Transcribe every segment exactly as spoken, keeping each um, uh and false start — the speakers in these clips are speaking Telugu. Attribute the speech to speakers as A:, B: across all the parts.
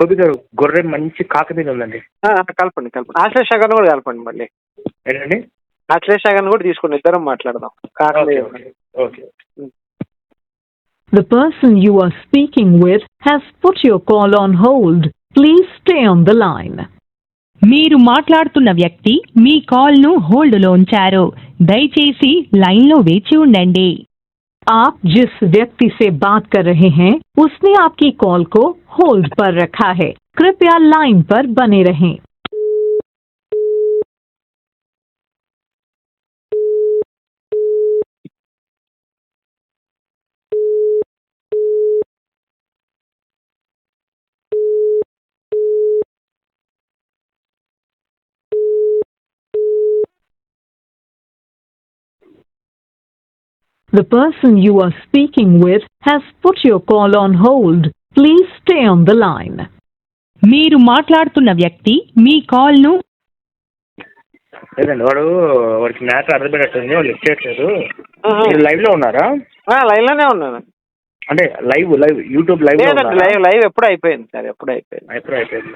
A: గోపి గారు గొర్రె మంచి కాక మీద ఉందండి.
B: కలపండి కలపండి ఆశ్లేష గారిని కూడా కలపండి మళ్ళీ.
A: ఏంటండి?
B: ఆశ్లేష గారిని కూడా తీసుకుని ఇద్దరం మాట్లాడదాం. కాక మీద
A: okay.
C: The person you are speaking with has put your call on hold. Please stay on the line.
D: మీరు మాట్లాడుతున్న వ్యక్తి మీ కాల్ను హోల్డ్లో ఉంచారు. దయచేసి లైన్లో వేచి ఉండండి.
C: आप जिस व्यक्ति से बात कर रहे हैं उसने आपकी कॉल को होल्ड पर रखा है. कृपया लाइन पर बने रहें. The person you are speaking with has put your call on hold. Please stay on the line.
D: మీరు మాట్లాడుతున్న వ్యక్తి మీ కాల్ను
A: లేదండి, వాడు వాడికి మ్యాటర్ అర్థపెట్టట్టుంది, వాళ్ళు లిఫ్ట్ చేయట్లేదు. మీరు లైవ్ లో ఉన్నారా?
B: లైవ్ లోనే ఉన్నాను.
A: అంటే live live YouTube live
B: live live ఎప్పుడు అయిపోయింది సార్, ఎప్పుడు అయిపోయింది
A: ఎప్పుడు అయిపోయింది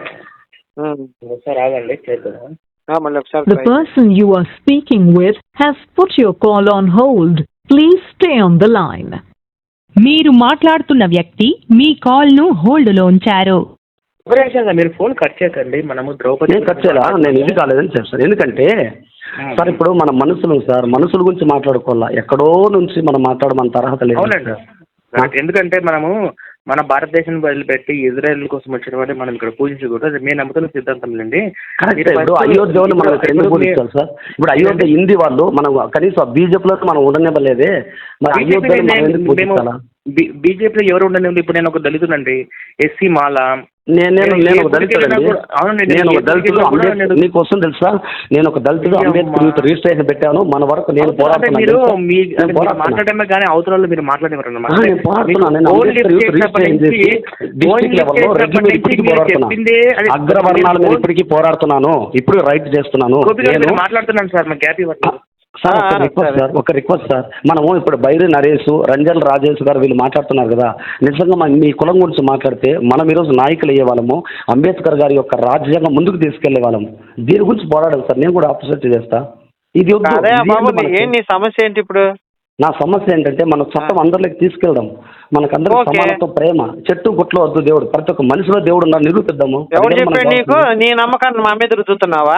A: ఒకసారి ఆగండి చేద్దాం.
B: మళ్ళీ ఒకసారి.
C: The person you are speaking with has put your call on hold. Please stay on the line.
D: మీరు మాట్లాడుతున్న వ్యక్తి మీ కాల్ను హోల్డ్లో ఉంచారు.
A: మీరు ఫోన్ కట్ చేయకండి, మనము ద్రౌపది
E: కట్ చేయాలా? నేను ఇది కాలేదని చెప్తాను. ఎందుకంటే సార్ ఇప్పుడు మన మనుషులు సార్ మనుషుల గురించి మాట్లాడుకోవాలా, ఎక్కడో నుంచి మనం మాట్లాడమన్న అర్హత లేదు.
A: అవునండి, ఎందుకంటే మనము మన భారతదేశం వదిలిపెట్టి ఇజ్రాయెల్ కోసం వచ్చినటువంటి మనం ఇక్కడ పూజించకూడదు. అది మేము నమ్ముతున్న సిద్ధాంతం అండి.
E: ఇప్పుడు అయోధ్య వాళ్ళు మనం ఎందుకు పూజించాలి సార్? ఇప్పుడు అయోధ్య హిందీ వాళ్ళు మనం కనీసం బీజేపీలో మనం ఉండనివ్వలేదే, మరి అయోధ్య
A: బీజేపీలో ఎవరు ఉండనివ్వండి. ఇప్పుడు నేను ఒక దళితుడండి, ఎస్సీ మాల.
E: నేను నేను ఒక దళితుడు నేను ఒక దళితుడు అంబేద్కర్ నీకు వస్తుంది తెలుసా? నేను ఒక దళితుడు అంబేద్కర్ రిజిస్ట్రేషన్ పెట్టాను. మన వరకు నేను
A: పోరాడుతున్నాను. మాట్లాడమే కానీ అవతరాలు మీరు మాట్లాడేవారు అన్నమాట.
E: నేను పోరాడుతున్నాను. నేను అంబేద్కర్ రిజిస్ట్రేషన్ చేసి డిస్ట్రిక్ట్ లెవెల్లో రెడ్డి మీద ఇప్పటికీ పోరాడుతున్నాను. అగ్రవర్ణాల మీద ఇప్పటికీ పోరాడుతున్నాను. ఇప్పుడు రైట్ చేస్తున్నాను.
A: నేను మాట్లాడుతున్నాను సార్, మా గ్యాప్ ఇవ్వండి
E: సార్. ఒక రిక్వెస్ట్ సార్, ఒక రిక్వెస్ట్ సార్. మనము ఇప్పుడు బైరి నరేష్, రంజల్ రాజేష్ గారు వీళ్ళు మాట్లాడుతున్నారు కదా, నిజంగా మీ కులం గురించి మాట్లాడితే మనం ఈరోజు నాయకులు అయ్యే వాళ్ళము, అంబేద్కర్ గారి యొక్క రాజ్యాంగం ముందుకు తీసుకెళ్లే వాళ్ళము. దీని గురించి పోరాడాలి సార్. నేను కూడా ఆపోజిట్ చేస్తా. ఇది
B: ఏంటి సమస్య ఏంటి ఇప్పుడు?
E: నా సమస్య ఏంటంటే మన చట్టం అందరిలోకి తీసుకెళ్ళడం, మనకందరూ సమానత్వం, ప్రేమ. చెట్టు గుట్లో వద్దు దేవుడు, ప్రతి ఒక్క మనిషిలో దేవుడు ఉన్నారు, నిరూపిద్దాము.
B: ఎవరు చెప్పాడు నీకు? నీ నమ్మకాన్ని మా మీద రుద్దుతున్నావా?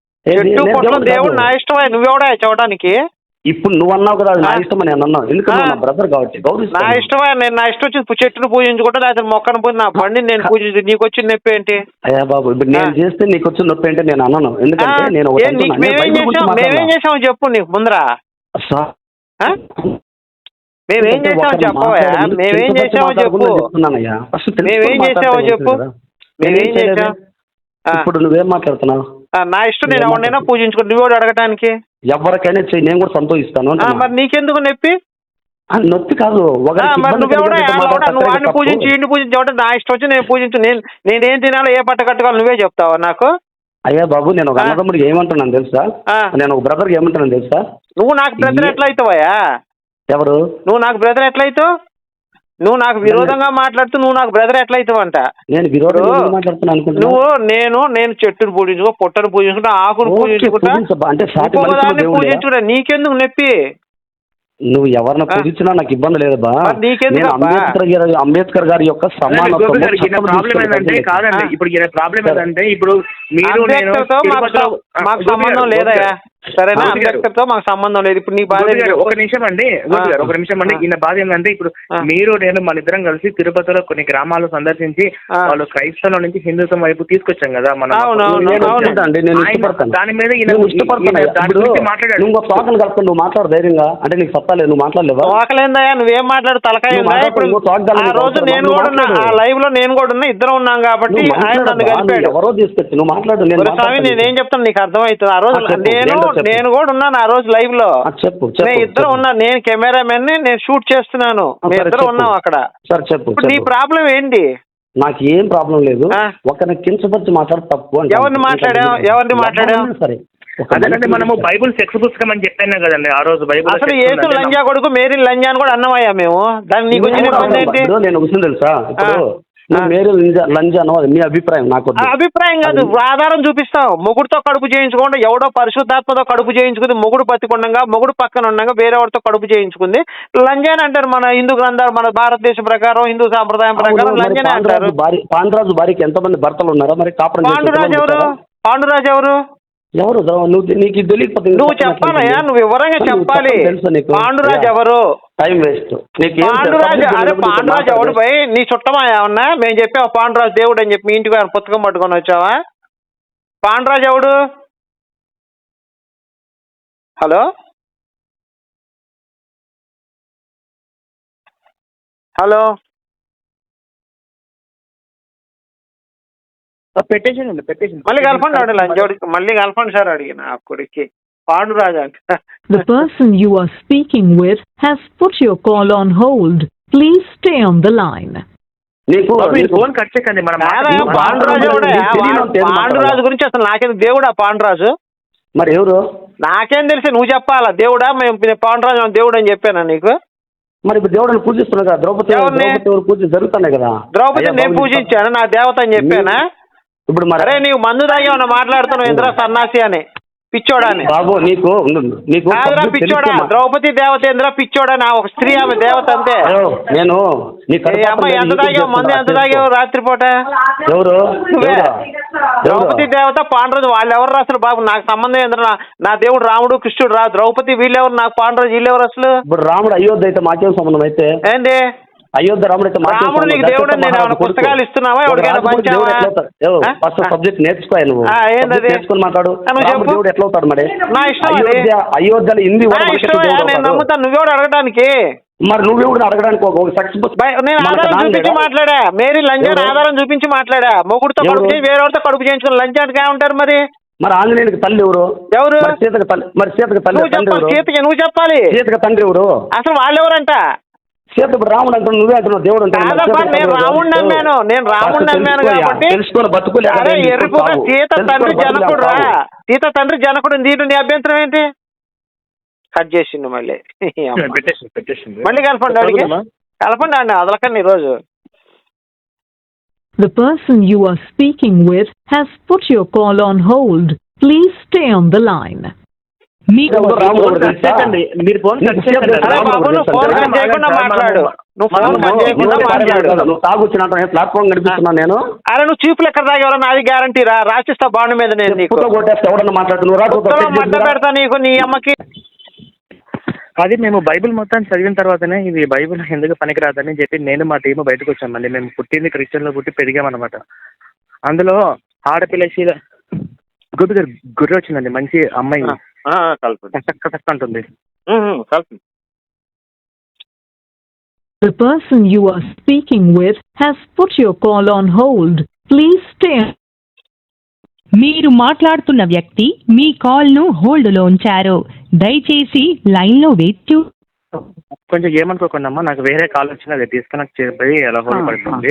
B: దేవుడు నా ఇష్టం, నువ్వెవడా చూడడానికి?
E: ఇప్పుడు నువ్వు అన్నావు కదా నా ఇష్టం అని నేను అన్నావు. ఎందుకంటే నా బ్రదర్ కాబట్టి
B: నా ఇష్టమా? నేను నా ఇష్టం వచ్చి చెట్టును పూజించుకుంటా, లేకపోతే మొక్కను పూజ నా బండిని నేను పూజించు. నీకు వచ్చిన నొప్పి ఏంటి?
E: అయ్యా బాబు, ఇప్పుడు నేను చేస్తే నీకు వచ్చిన నొప్పి ఏంటి నేను అన్నాను. ఎందుకంటే నేను
B: మేమేం చేసామో చెప్పు నీకు ముందరా. మేమేం చేసామో చెప్పవా? మేమేం చేసామో చెప్పు. మేమేం చేసామో చెప్పు. మేమేం చేసాం?
E: ఇప్పుడు నువ్వేం మాట్లాడుతున్నావు?
B: నా ఇష్టం, నేను ఎవరినైనా పూజించుకో. నువ్వు అడగటానికి
E: ఎవరికైనా చెయ్యి, నేను కూడా సంతోషిస్తాను.
B: మరి నీకెందుకు నొప్పి?
E: నొప్పి కాదు,
B: వాడిని పూజించి ఇంటి పూజించి నా ఇష్టం వచ్చి నేను పూజించు. నేను నేనేం తినాలో ఏ పట్ట కట్టుకోవాలి నువ్వే చెప్తావా నాకు?
E: అయ్యా బాబు, నేను ఒక అన్నదమ్ముడికి ఏమంటున్నాను తెలుసా? నేను ఒక బ్రదర్కి ఏమంటున్నాను తెలుసా?
B: నువ్వు నాకు బ్రదర్ ఎట్లా అవుతావయ్యా?
E: ఎవరు?
B: నువ్వు నాకు బ్రదర్ ఎట్లయితావు? నువ్వు నాకు విరోధంగా మాట్లాడుతూ నువ్వు నాకు బ్రదర్ ఎట్లయితావంట?
E: నేను విరోధంగా మాట్లాడుతున్నా అనుకుంటా.
B: నువ్వు నేను నేను చెట్టును పూజించుకో, పొట్టను పూజించుకుంటా, ఆకును పూజించుకుంటా, పూజించుకుంటా. నీకెందుకు నొప్పి?
E: నువ్వు ఎవరిని పూజించినా నాకు ఇబ్బంది లేదు బా.
B: నీకెందుకు?
E: అంబేద్కర్ గారి అంబేద్కర్ గారి యొక్క సమానత్వం.
A: కాదండి, ఇప్పుడు ప్రాబ్లం ఏంటంటే ఇప్పుడు మీరు
B: మాకు సంబంధం లేదయా? సరేనా? అంబేద్కర్ తో మాకు సంబంధం లేదు. ఇప్పుడు నీ బాధ
A: ఒక నిమిషం అండి, ఒక నిమిషం అండి. ఈయన బాధ ఏంటంటే ఇప్పుడు మీరు నేను మన ఇద్దరం కలిసి తిరుపతిలో కొన్ని గ్రామాలు సందర్శించి వాళ్ళు క్రైస్తవం నుంచి హిందుత్వం వైపు తీసుకొచ్చాం కదా మనం. దాని మీద
E: మాట్లాడాడు. నువ్వు మాట్లాడు ధైర్యంగా. అంటే నీకు సత్తాలేదు, నువ్వు మాట్లాడలేవా?
B: వాకలేందయ్యా, నువ్వేం మాట్లాడు తలకాయ. ఆ రోజు నేను కూడా ఉన్నా, ఆ లైవ్ లో నేను కూడా ఉన్నా, ఇద్దరం ఉన్నాం కాబట్టి ఆయన నన్ను కలిపాడు.
E: ఎవరో తీసుకొచ్చి నువ్వు మాట్లాడు.
B: స్వామి నేనేం చెప్తాను నీకు అర్థమవుతుంది? ఆ రోజు నేను నేను కూడా ఉన్నాను ఆ రోజు లైవ్ లో.
E: చెప్పు.
B: నేను ఇద్దరు ఉన్నా, నేను కెమెరామెన్ ని, నేను షూట్ చేస్తున్నాను, ఇద్దరు ఉన్నాం అక్కడ.
E: సార్ చెప్పు.
B: నీ ప్రాబ్లం ఏంటి?
E: నాకు ఏం ప్రాబ్లం లేదు. ఒకరిని కించపరిచి మాట్లాడు తప్పు.
B: ఎవరిని మాట్లాడా? ఎవరిని మాట్లాడా?
E: సరే,
A: అదేనంటే మనము బైబుల్ సెక్స్ పుస్తకం అని చెప్పాను కదండి ఆ రోజు. బైబుల్
B: అసలు యేసు లంజా కొడుకు, మేరీ లంజా అని కూడా అన్నమయ్యా మేము. దాన్ని నీకు వచ్చిన ఇబ్బంది ఏంటి?
E: నేను విషయం తెలుసా? ఇప్పుడు నువ్వు మేరీ లంజ లంజ అనో అది మీ అభిప్రాయం నాకు వద్దు.
B: ఆ అభిప్రాయం కాదు, ఆధారం చూపిస్తాం. మొగుడుతో కడుపు చేయించుకోండి, ఎవడో పరిశుద్ధాత్మతో కడుపు చేయించుకుంది, మొగుడు బతికుండగా మొగుడు పక్కన ఉండగా వేరేవాడితో కడుపు చేయించుకుంది లంజాని అంటారు. మన హిందూ గ్రంథాలు, మన భారతదేశం ప్రకారం, హిందూ సాంప్రదాయం ప్రకారం లంజాని అంటారు.
E: పాండురాజు భార్యకి ఎంతమంది భర్తలు ఉన్నారా మరి? కాపురం
B: పాండురాజు ఎవరు? పాండురాజు ఎవరు?
E: ఎవరు నువ్వు నీకు తెలియకపోతే
B: నువ్వు చెప్పాలయ్యా, నువ్వు వివరంగా చెప్పాలి. పాండురాజు ఎవరు?
E: Time waste.
B: పాండురాజు అరే పాండురాజు ఎవడు పోయి నీ చుట్టమా ఏమన్నా? మేము చెప్పావు పాండురాజు దేవుడు అని చెప్పి మీ ఇంటికి ఆయన పుస్తకం పట్టుకొని వచ్చావా? పాండురాజు ఎవడు? హలో హలో
A: పెట్టేసానండి పెట్టేసి
B: మళ్ళీ కలపండి ఆడు లంచోడికి, మళ్ళీ కలపండి సార్ అడిగిన ఆ కొడుక్కి పాండురాజు అంట.
C: The person you are speaking with has put your call on hold. Please stay on the line.
A: Phone cut చేయకండి.
B: పాండురాజు పాండురాజు గురించి అసలు నాకేం దేవుడా పాండురాజు?
E: మరి ఎవరు?
B: నాకేం తెలిసి నువ్వు చెప్పాలా దేవుడా? మేము పాండురాజు దేవుడు అని చెప్పానా నీకు?
E: మరి ఇప్పుడు దేవుడిని పూజిస్తున్నా కదా, ద్రౌపది పూజ జరుగుతున్నాయి కదా.
B: ద్రౌపది నేను పూజించాను, నా దేవత అని చెప్పానా? ఇప్పుడు మరే నీవు మందు తాగి ఏమన్నా మాట్లాడుతున్నావు ఇంద్ర సన్నాసి అని, పిచ్చోడా అని.
E: బాబు నీకు నీకు
B: పిచ్చోడా? ద్రౌపది దేవత ఇంద్ర పిచ్చోడా? నా ఒక స్త్రీ, ఆమె దేవత అంతే.
E: నేను
B: అమ్మాయి ఎంత తాగావు మందు, ఎంత తాగావు రాత్రిపూట?
E: ఎవరు?
B: ద్రౌపది దేవత పాండురాజు వాళ్ళు ఎవరు అసలు బాబు? నాకు సంబంధం ఏంద్ర? నా దేవుడు రాముడు కృష్ణుడు రా, ద్రౌపది వీళ్ళెవరు? నాకు పాండురాజు వీళ్ళెవరు అసలు?
E: ఇప్పుడు రాముడు అయోధ్య అయితే మాకేం సంబంధం అయితే?
B: ఏంటి
E: అయోధ్య రాముడు అయితే?
B: రాముడు నీకు దేవుడు నేను ఏమైనా పుస్తకాలు ఇస్తున్నావా? ఎవరికైనా పంచావా?
E: ఫస్ట్ సబ్జెక్ట్ నేర్చుకో నువ్వు,
B: ఏంటది
E: నేర్చుకుని మాట్లాడు. దేవుడు ఎట్లా అవుతాడు మరి?
B: నా ఇష్టం,
E: అయోధ్యలో హిందీ
B: నేను నమ్ముతాను. నువ్వెవడు అడగడానికి?
E: మరి నువ్వెవడు అడగడానికి? ఒక సక్సెస్
B: నేను ఆధారం చూపించి మాట్లాడా. మేరీ లంజాన్ ఆధారం చూపించి మాట్లాడా. మొగుడుతో కడుపు చేసి వేరేవాడితో కడుపు చేయించుకుని లంజానికి ఏమంటారు మరి?
E: మరి ఆంజనేయునికి తల్లి ఎవరు?
B: ఎవరు?
E: సీతకి తల్లి. మరి సీతకి తల్లి
B: సీతకి నువ్వు చెప్పాలి.
E: సీతకి తండ్రి ఎవరు?
B: అసలు వాళ్ళెవరంట?
E: సీత ఇప్పుడు రాముడు అంటున్నావు, నువ్వే అంటున్నావు దేవుడు అంటే.
B: నేను రాముడు నమ్మాను, నేను రాముడు నమ్మాను కాబట్టి
E: తెలుసుకొని బతుకులే.
B: సీత తండ్రి జనకుడు రా, సీత తండ్రి జనకుడు. దీంట్లో నీ అభ్యంతరం ఏంటి? కట్ చేసిండు మళ్ళీ. మళ్ళీ కలపండి అడిగి కలపండి అండి, అదలకండి ఈరోజు.
C: The person you are speaking with has put your call on hold. Please stay on the line.
D: మీకు
A: మీరు ఫోన్
B: చేయకుండా మాట్లాడు. నువ్వు ఫోన్ చేయకుండా మాట్లాడు.
E: నువ్వు తాగొచ్చిన ప్లాట్ఫామ్ నడిపిస్తున్నాను నేను.
B: అరే నువ్వు చీపులు ఎక్కడ తాగేవరా? నాది గ్యారంటీ రా, రాసిస్తా బాండ్ మీద. నేను నీకు
E: కొట్టేస్తా, ఎవడన్నా మాట్లాడుతున్నావు
B: మడ్డ పెడతా నీకు, నీ అమ్మకి.
A: అది మేము బైబిల్ మొత్తం చదివిన తర్వాతనే ఇది బైబిల్ ఎందుకు పనికిరాదని చెప్పి నేను మా టీము బయటకు వచ్చామండి. మేము పుట్టింది క్రిస్టియన్లో పుట్టి పెరిగామన్నమాట. అందులో ఆడపిల్ల శీల గుడ్డు గుర్రె వచ్చిందండి, మంచి అమ్మాయి ఉంటుంది.
C: The person you are speaking with has put your call on hold. Please stay.
D: మీరు మాట్లాడుతున్న వ్యక్తి మీ కాల్ ను హోల్డ్ లో ఉంచారు. దయచేసి లైన్ లో వేచి.
A: కొంచెం ఏమనుకోకుండా అమ్మా, నాకు వేరే కాల్ వచ్చింది, అది డిస్కనెక్ట్ చేయబోయి అలా హోల్డ్ పడుతుంది.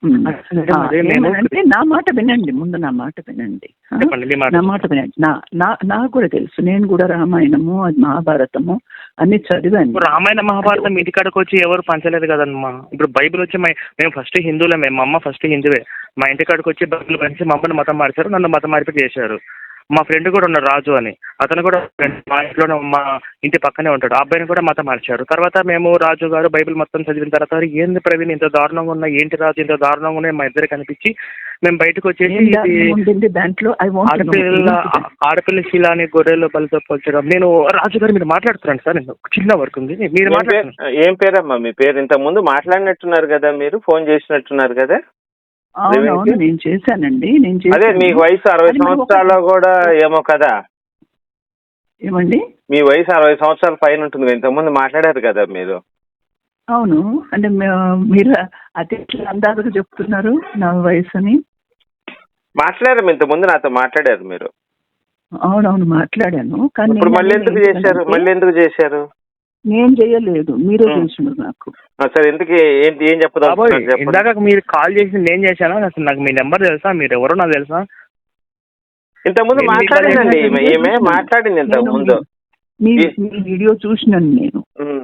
F: అంటే నా మాట వినండి, ముందు నా మాట వినండి, నా మాట వినండి. నా నా నాకు కూడా తెలుసు, నేను కూడా రామాయణము మహాభారతము అన్ని చదివాను.
A: రామాయణ మహాభారతం ఇంటికాడకు వచ్చి ఎవరు పంచలేదు కదమ్మా. ఇప్పుడు బైబిల్ వచ్చి మేము ఫస్ట్ హిందువులే, మేము మా అమ్మ ఫస్ట్ హిందువే. మా ఇంటికాడకు వచ్చి బైబిల్ పంచి మా అమ్మని మతం మార్చారు, నన్ను మతం మార్పు చేశారు. మా ఫ్రెండ్ కూడా ఉన్నాడు రాజు అని, అతను కూడా మా ఇంట్లోనే మా ఇంటి పక్కనే ఉంటాడు. ఆ అబ్బాయిని కూడా మతం మార్చారు. తర్వాత మేము రాజు గారు బైబిల్ మొత్తం చదివిన తర్వాత ఏంది ప్రవీణ్ ఇంత దారుణంగా ఉన్నా, ఏంటి రాజు ఇంత దారుణంగా ఉన్నాయి మా ఇద్దరికి అనిపించి మేము బయటకు వచ్చేసి
F: దాంట్లో
A: ఆడపిల్ల ఆడపిల్ల శీల అని గొర్రెలు బలితో పోల్చడం. నేను రాజు గారు మీరు మాట్లాడుతున్నాను సార్, నేను చిన్న వర్క్ ఉంది. మీరు మాట్లాడుతున్నారు.
B: ఏం పేరమ్మా మీ పేరు? ఇంతకు ముందు మాట్లాడినట్టున్నారు కదా, మీరు ఫోన్ చేసినట్టున్నారు కదా.
F: అవునవును నేను చేశానండి, నేను
B: అదే మీకు వయసు అరవై సంవత్సరాలు కూడా ఏమో కదా.
F: ఏమండి
B: మీ వయసు అరవై సంవత్సరాల పైన ఉంటుంది, ఇంతకుముందు మాట్లాడారు కదా మీరు.
F: అవును అంటే మీరు అతి అందాజుగా చెప్తున్నారు నా వయసు అని.
B: మాట్లాడారు ఇంతకుముందు నాతో మాట్లాడారు మీరు.
F: అవునవును మాట్లాడాను, కానీ
B: ఇప్పుడు మళ్ళీ ఎందుకు చేశారు? మళ్ళీ ఎందుకు చేశారు?
F: నేను చేయలేదు, మీరే చేసినారు నాకు.
B: సరే ఎందుకు ఏంటి ఏం చెప్పదా?
A: ఇందాక మీరు కాల్ చేసి నేను చేశాను, అసలు నాకు మీ నెంబర్ తెలుసా, మీరు ఎవరో నాకు తెలుసా?
B: ఇంతకుముందు మాట్లాడిందండి ఈమె, మాట్లాడింది ఇంతకు ముందు.
F: మీ వీడియో చూసినాను నేను.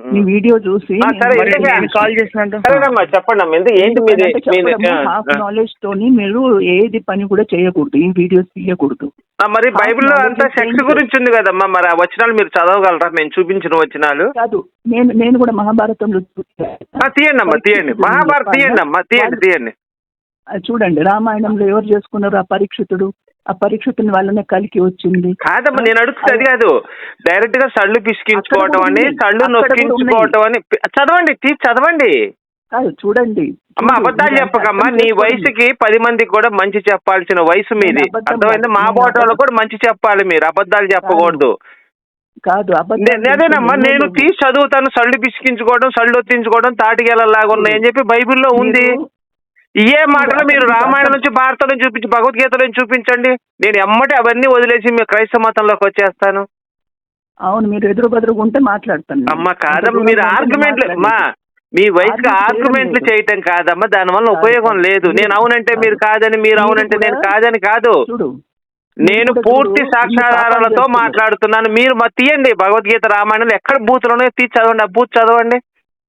F: మీ వీడియో చూసి
B: ఆ, సరే,
A: మరి
B: ఇంతకీ-
A: నేను కాల్ చేసినట్టు
B: సరేనమ్మా చెప్పండి అమ్మా ఎందుకు ఏంటి మీది మీది ఆ,
F: హాఫ్
B: ఆ.
F: నాలెడ్జ్ తోని మీరు ఏది పని కూడా చేయకూడదు, ఈ వీడియోస్ తీయకూడదు.
B: ఆ, మరి
F: half
B: బైబిల్లో
F: knowledge
B: అంతా
F: is
B: సెక్స్
F: dangerous.
B: గురించి ఉంది కదమ్మా, మరి ఆ వచనాలు మీరు చదవగలరా మేము చూపించిన వచనాలు?
F: కాదు, నేను నేను కూడా మహాభారతంలో
B: ఆ, తీయండి అమ్మా తీయండి, మహాభారత్ తీయండి అమ్మా తీయండి తీయండి.
F: అది చూడండి, రామాయణంలో ఎవరు చేసుకున్నారు? ఆ పరీక్షితుడు. ఆ పరీక్షితుని వల్లనే కలికి వచ్చింది.
B: కాదమ్మా నేను అడుగుతుంది అది కాదు, డైరెక్ట్ గా సళ్ళు పిసికించుకోవటం అని, సళ్ళు నొక్కించుకోవటం అని పి- చదవండి తీసి చదవండి.
F: కాదు చూడండి,
B: అమ్మా అబద్ధాలు చెప్పకమ్మా, నీ వయసుకి పది మందికి కూడా మంచి చెప్పాల్సిన వయసు మీది,
F: నేను అబద్ధం
B: అర్థమైంది? మా
F: నేను
B: బోటోళ్ళు
F: అబద్ధం-
B: కూడా మంచి చెప్పాలి, మీరు అబద్ధాలు చెప్పకూడదు.
F: కాదు అబద్ధం
B: నే- అదేనమ్మా
F: చెప్పి
B: నేను
F: నేను
B: తీసి చదువుతాను, సళ్ళు పిసికించుకోవడం సళ్ళు ఒత్తించుకోవడం తాటిగేలలాగా ఉన్నాయని చెప్పి బైబిల్లో ఉంది.
F: మీరు-
B: ఏ మాటలు మీరు రామాయణం నుంచి భారతం నుంచి చూపించి భగవద్గీత నుంచి చూపించండి, నేను ఎమ్మటి అవన్నీ వదిలేసి మీ క్రైస్తవ మతంలోకి వచ్చేస్తాను.
F: అవును, మీరు ఎదురు బదురుగా ఉంటే మాట్లాడతాను నేను.
B: అమ్మ కాదమ్మా
F: అంత
B: మీరు
F: దూరం ఉంటే
B: ఆర్గ్యుమెంట్లు
F: మాట్లాడండి.
B: అమ్మా మీ వయసుకి
F: Argument
B: ఆర్గ్యుమెంట్లు
F: చేయడం
B: చేయటం కాదమ్మా, దానివల్ల
F: కాదు,
B: ఉపయోగం
F: కాదు.
B: లేదు. నేను అవునంటే
F: కాదు.
B: మీరు కాదని, మీరు
F: మీరు
B: అవునంటే నేను
F: కూడా-
B: కాదని కాదు.
F: చూడు,
B: నేను
F: మీరు కూడా
B: పూర్తి
F: చూడు,
B: సాక్ష్యాధారాలతో
F: ఇన్ని పాపాలు
B: మాట్లాడుతున్నాను. మీరు మా తీయండి భగవద్గీత రామాయణంలో ఎక్కడ బూతులోనే తీసి చదవండి, ఆ బూత్ చదవండి.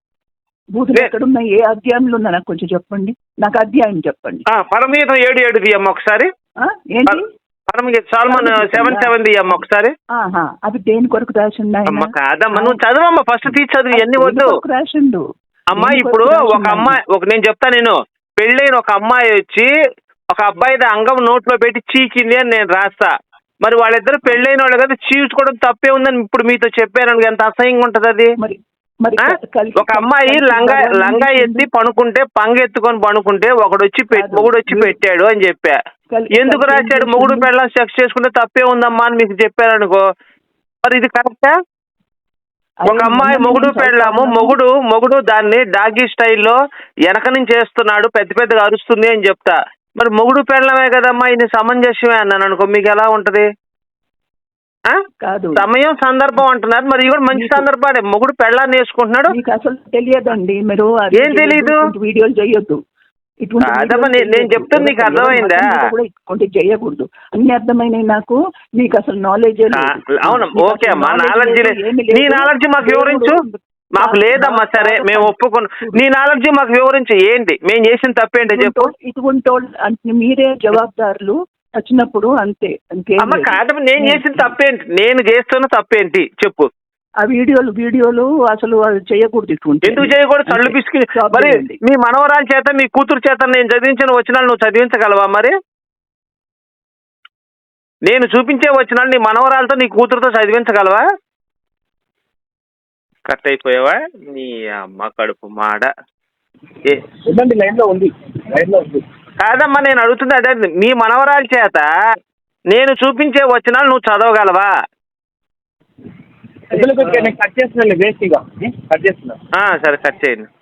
F: బూతులు ఎక్కడున్నాయి? ఏ అధ్యాయంలో ఉన్నా నాకు కొంచెం చెప్పండి, నాకు అధ్యాయం చెప్పండి.
B: ఆ, పరమగీతం ఏడు ఏడు తీయమ్మ ఒకసారి.
F: ఆ, ఏంటి?
B: పరమగీత సాల్మన్ సెవెన్ సెవెన్ తీయమ్మ ఒకసారి.
F: ఆహా, అది దేని కొరకు రాసిండు ఆయన?
B: అమ్మ కాదమ్మా నువ్వు చదవమ్మా, ఫస్ట్ తీసి చదువు, ఇవన్నీ
F: దేని
B: వద్దు.
F: కొరకు రాసిండు?
B: అమ్మా
F: దేని
B: ఇప్పుడు
F: కొరకు
B: ఒక
F: రాసిండు
B: అమ్మాయి ఒక నేను చెప్తా నేను పెళ్ళైన ఒక అమ్మాయి వచ్చి ఒక అబ్బాయి అంగం నోట్లో పెట్టి చీకింది అని నేను రాస్తా. మరి వాళ్ళిద్దరు పెళ్ళైన వాళ్ళు కదా, చీల్చుకోవడం తప్పే ఉందని ఇప్పుడు మీతో చెప్పాను, ఎంత అసహ్యంగా ఉంటది అది.
F: మరి మరి
B: ఆ?
F: కలిసి-
B: ఒక అమ్మాయి
F: కలిసి
B: లంగా
F: భగవాన్
B: లంగా
F: చేసింది.
B: ఎత్తి పనుకుంటే పంగ ఎత్తుకొని పనుకుంటే ఒకడు వచ్చి పె-
F: కాదు.
B: మొగుడు వచ్చి
F: మీరు-
B: పెట్టాడు అని చెప్పా.
F: కల్-
B: ఎందుకు
F: కలిసి ఏం
B: రాశాడు?
F: చేసింది?
B: మొగుడు పెళ్ళం సెక్స్ చేసుకుంటే తప్పే ఉందమ్మా అని మీకు చెప్పారనుకో, మరి ఇది కరెక్టా? ఒక
F: అదే
B: అమ్మాయి
F: మొన్న
B: మొగుడు
F: నేను
B: పెళ్ళాము,
F: చదువుతాను.
B: మొగుడు మొగుడు దాన్ని డాగీ స్టైల్లో వెనక నుంచి చేస్తున్నాడు, పెద్ద పెద్దగా అరుస్తుంది అని చెప్తా. మరి మొగుడు పెళ్ళమే కదమ్మా, ఇది సమంజసమే అన్నాను అనుకో, మీకు ఎలా ఉంటది? ఆ?
F: కాదు,
B: సమయం సందర్భం అంటున్నారు, మరి ఇది కూడా మంచి
F: మీకు-
B: సందర్భాన్ని, మొగుడు పెళ్ళాన్ని వేసుకుంటున్నాడు.
F: మీకు అసలు తెలియదండి, మీరు ఆ
B: ఏం
F: వీడియోలు
B: తెలీదు?
F: ఇటువంటి వీడియోలు చేయొద్దు. ఇటువంటి
B: కాదమ్మా,
F: వీడియోలు
B: నేను- నేను
F: చేయొద్దు.
B: చెప్తుంది నీకు
F: ఎవరు- ఎవరు
B: అర్థమైందా?
F: మతం కూడా ఇటువంటి చేయకూడదు. అన్ని అర్థమైనాయి నాకు. మీకు అసలు నాలెడ్జ్
B: అవును ఓకే అమ్మా, నాలెడ్జీ నీ నాలెడ్జీ మాకు వివరించు. మాకు లేదమ్మా, సరే మేము ఒప్పుకున్నాం. నీ నాలెడ్జీ మాకు వివరించు, ఏంటి మేము చేసిన తప్పేంటో చెప్పు.
F: ఇటువంటి వాళ్ళు అంటే మీరే జవాబుదారులు వచ్చినప్పుడు, అంతే. ఇంకేం
B: అమ్మ
F: లేదు.
B: కాదమ్మా, నేను చేసిన తప్పేంటి? నేను చేస్తున్న తప్పేంటి చెప్పు.
F: ఆ వీడియోలు వీడియోలు అసలు అది చేయకూడదు. ఇటువంటి
B: ఎందుకు చేయకూడదు? చల్లు పిసికి
F: Stop
B: మరి
F: చేయండి.
B: మీ మనవరాల చేత మీ కూతురు చేత నేను చదివించిన వచనాలు నువ్వు చదివించగలవా? మరి నేను చూపించే వచనాలు నీ మనవరాలతో నీ కూతురుతో చదివించగలవా? కట్ అయిపోయావా నీ అమ్మ కడుపు మాడ. ఏ
A: లైన్ లో ఉంది, లైన్ లో ఉంది.
B: కాదమ్మా నేను అడుగుతుంది అదే, మీ మనవరాల చేత నేను చూపించే వచనాలు నువ్వు చదవగలవా?
A: కట్ చేస్తున్నా, వేస్ట్ ఇక కట్ చేస్తున్నా.
B: సరే కట్ చేయండి.